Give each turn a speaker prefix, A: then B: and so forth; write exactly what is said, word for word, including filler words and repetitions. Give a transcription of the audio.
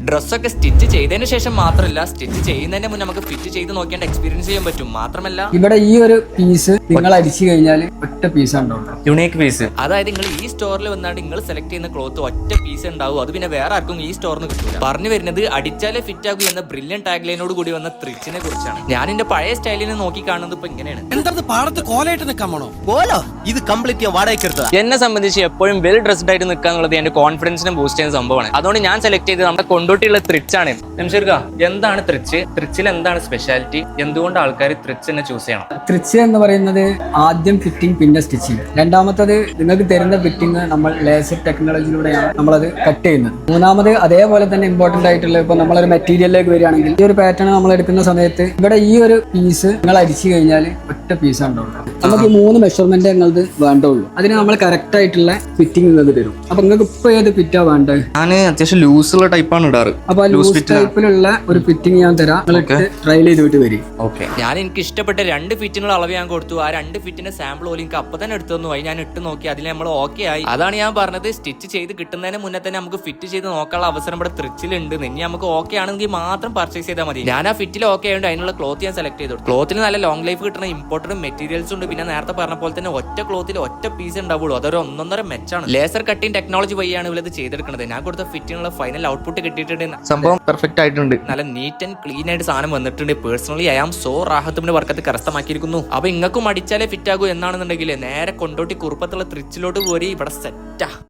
A: ഡ്രസ്സൊക്കെ സ്റ്റിച്ച് ചെയ്തതിനു ശേഷം മാത്രമല്ല, സ്റ്റിച്ച് ചെയ്യുന്നതിന് മുന്നേ നമുക്ക് ഫിറ്റ് ചെയ്ത് നോക്കിയാണ്ട് എക്സ്പീരിയൻസ് ചെയ്യാൻ പറ്റും. മാത്രമല്ല
B: ഇവിടെ ഈ ഒരു പീസ് നിങ്ങൾ അടിച്ചു കഴിഞ്ഞാൽ ഒറ്റ പീസ് ഉണ്ടാവും,
A: യുണീക്ക് പീസ്. അതായത് നിങ്ങൾ ഈ സ്റ്റോറിൽ വന്നാണ്ട് നിങ്ങൾ സെലക്ട് ചെയ്യുന്ന ക്ലോത്ത് ഒറ്റ പീസ് ഉണ്ടാവും. അത് പിന്നെ വേറെ ആർക്കും ഈ സ്റ്റോറിന് കിട്ടില്ല. പറഞ്ഞു വരുന്നത് അടിച്ചാലേ ഫിറ്റ് ആകൂ എന്ന ബ്രില്യൻ ടാഗ് ലൈനോട് കൂടി വന്ന ത്രിച്ചിനെ കുറിച്ചാണ്. ഞാൻ എന്റെ പഴയ സ്റ്റൈലിനെ നോക്കി കാണുന്നത് ഇപ്പൊ ഇങ്ങനെയാണ്.
C: എന്താ പാടത്ത് കോലായിട്ട് നിൽക്കാമോ? കോലോ ഇത് കംപ്ലീറ്റ് വാടകയ്ക്ക് എടുത്തതാ.
A: എന്നെ സംബന്ധിച്ച് എപ്പോഴും വെൽ ഡ്രസ്ഡ് ആയിട്ട് നിൽക്കുക എന്നുള്ളത് എന്റെ കോൺഫിഡൻസിനെ ബൂസ്റ്റ് ചെയ്യുന്ന സംഭവമാണ്. അതുകൊണ്ട് ഞാൻ സെലക്ട് ചെയ്തത് നമ്മുടെ കൊണ്ടോട്ടിയുള്ള ത്രിച്ചാണ്. നംഷീർക്ക, എന്താണ് ത്രിച്ച്? ത്രിച്ചിൽ എന്താണ് സ്പെഷ്യാലിറ്റി? എന്തുകൊണ്ട് ആൾക്കാർ ത്രിച്ച് തന്നെ ചൂസ് ചെയ്യണം?
B: ത്രിച്ച് എന്ന് പറയുന്നത് ആദ്യം ഫിറ്റിംഗ് പിന്നെ സ്റ്റിച്ചിങ്. രണ്ടാമത്തത് നിങ്ങൾക്ക് തരുന്ന ഫിറ്റിംഗ് നമ്മൾ ലേസർ ടെക്നോളജിയിലൂടെയാണ് നമ്മളത് കട്ട് ചെയ്യുന്നത്. മൂന്നാമത് അതേപോലെ തന്നെ ഇമ്പോർട്ടന്റ് ആയിട്ടുള്ള ഇപ്പൊ നമ്മളൊരു മെറ്റീരിയലിലേക്ക് വരികയാണെങ്കിൽ ഈ ഒരു പാറ്റേൺ നമ്മൾ എടുക്കുന്ന സമയത്ത് ഇവിടെ ഈ ഒരു പീസ് നിങ്ങൾ അടിച്ചു കഴിഞ്ഞാൽ ഒറ്റ പീസ് ഉണ്ടാവും. നമുക്ക് ഈ മൂന്ന് മെഷർമെന്റ് ഞങ്ങൾക്ക് വേണ്ടുള്ളൂ. അതിന് നമ്മൾ കറക്റ്റ് ആയിട്ടുള്ള ഫിറ്റിംഗ് നിങ്ങൾക്ക് തരും. അപ്പൊ നിങ്ങൾക്ക് ഇപ്പൊ ഏത് ഫിറ്റാ വേണ്ടത്?
A: ഞാൻ അത്യാവശ്യം ലൂസുള്ള ടൈപ്പാണ് ഇടാറ്.
B: അപ്പൊ ലൂസ് ടൈപ്പിലുള്ള ഒരു ഫിറ്റിംഗ് ഞാൻ തരാം, ട്രയൽ ചെയ്തിട്ട് വരും.
A: ഓക്കെ, ഞാൻ എനിക്ക് ഇഷ്ടപ്പെട്ട രണ്ട് ഫിറ്റിനുള്ള അളവ് ഞാൻ കൊടുത്തു. ആ രണ്ട് ഫിറ്റിന്റെ സാമ്പിൾ പോലും എനിക്ക് അപ്പൊ തന്നെ എടുത്തു തന്നു. അത് ഞാൻ ഇട്ട് നോക്കി, അതിൽ നമ്മൾ ഓക്കെ ആയി. അതാണ് ഞാൻ പറഞ്ഞത്, സ്റ്റിച്ച് ചെയ്ത് കിട്ടുന്നതിന് മുന്നേ തന്നെ നമുക്ക് ഫിറ്റ് ചെയ്ത് നോക്കാനുള്ള അവസരം ഇവിടെ ത്രിച്ചിലുണ്ട്. ഇനി നമുക്ക് ഓക്കെ ആണെങ്കിൽ മാത്രം പർച്ചേസ് ചെയ്താൽ മതി. ഞാൻ ആ ഫിറ്റിൽ ഓക്കെ ആയതുകൊണ്ട് അതിനുള്ള ക്ലോത്ത് ഞാൻ സെലക്ട് ചെയ്തു. ക്ലോത്തിന് നല്ല ലോങ് ലൈഫ് കിട്ടുന്ന ഇമ്പോർട്ടന്റ് മെറ്റീരിയൽസ് ഉണ്ട്. പിന്നെ നേരത്തെ പറഞ്ഞ പോലെ തന്നെ ഒറ്റ ക്ലോത്തിൽ ഒറ്റ പീസ് ഉണ്ടാവുള്ളൂ. അതൊരു ഒന്നൊന്നര മെച്ചാണ്. ലേസർ കട്ടിങ് ടെക്നോളജി വഴിയാണ് ഇവരത് ചെയ്തെടുക്കുന്നത്. ഞാൻ കൊടുത്ത ഫിറ്റിനുള്ള ഫൈനൽ ഔട്ട്പുട്ട് കിട്ടിയിട്ടുണ്ട്. സംഭവം പെർഫെക്റ്റ് ആയിട്ടുണ്ട്. നല്ല നീറ്റ് ആൻഡ് ക്ലീൻ ആയിട്ട് സാധനം വന്നിട്ടുണ്ട്. പേഴ്സണലി ഐ ആം സോ റാഹത്തിന്റെ വർക്കത്ത് കരസ്ഥമാക്കിയിരിക്കുന്നു. അപ്പൊ ഇങ്ങൾക്കും അടിച്ചാലേ ഫിറ്റ് ആകൂ എന്നാണെന്നുണ്ടെങ്കിൽ നേരെ കൊണ്ടോട്ടി കുറുപ്പത്തുള്ള ത്രിച്ചിലോട്ട് പോരി. ഇവിടെ സെറ്റാ.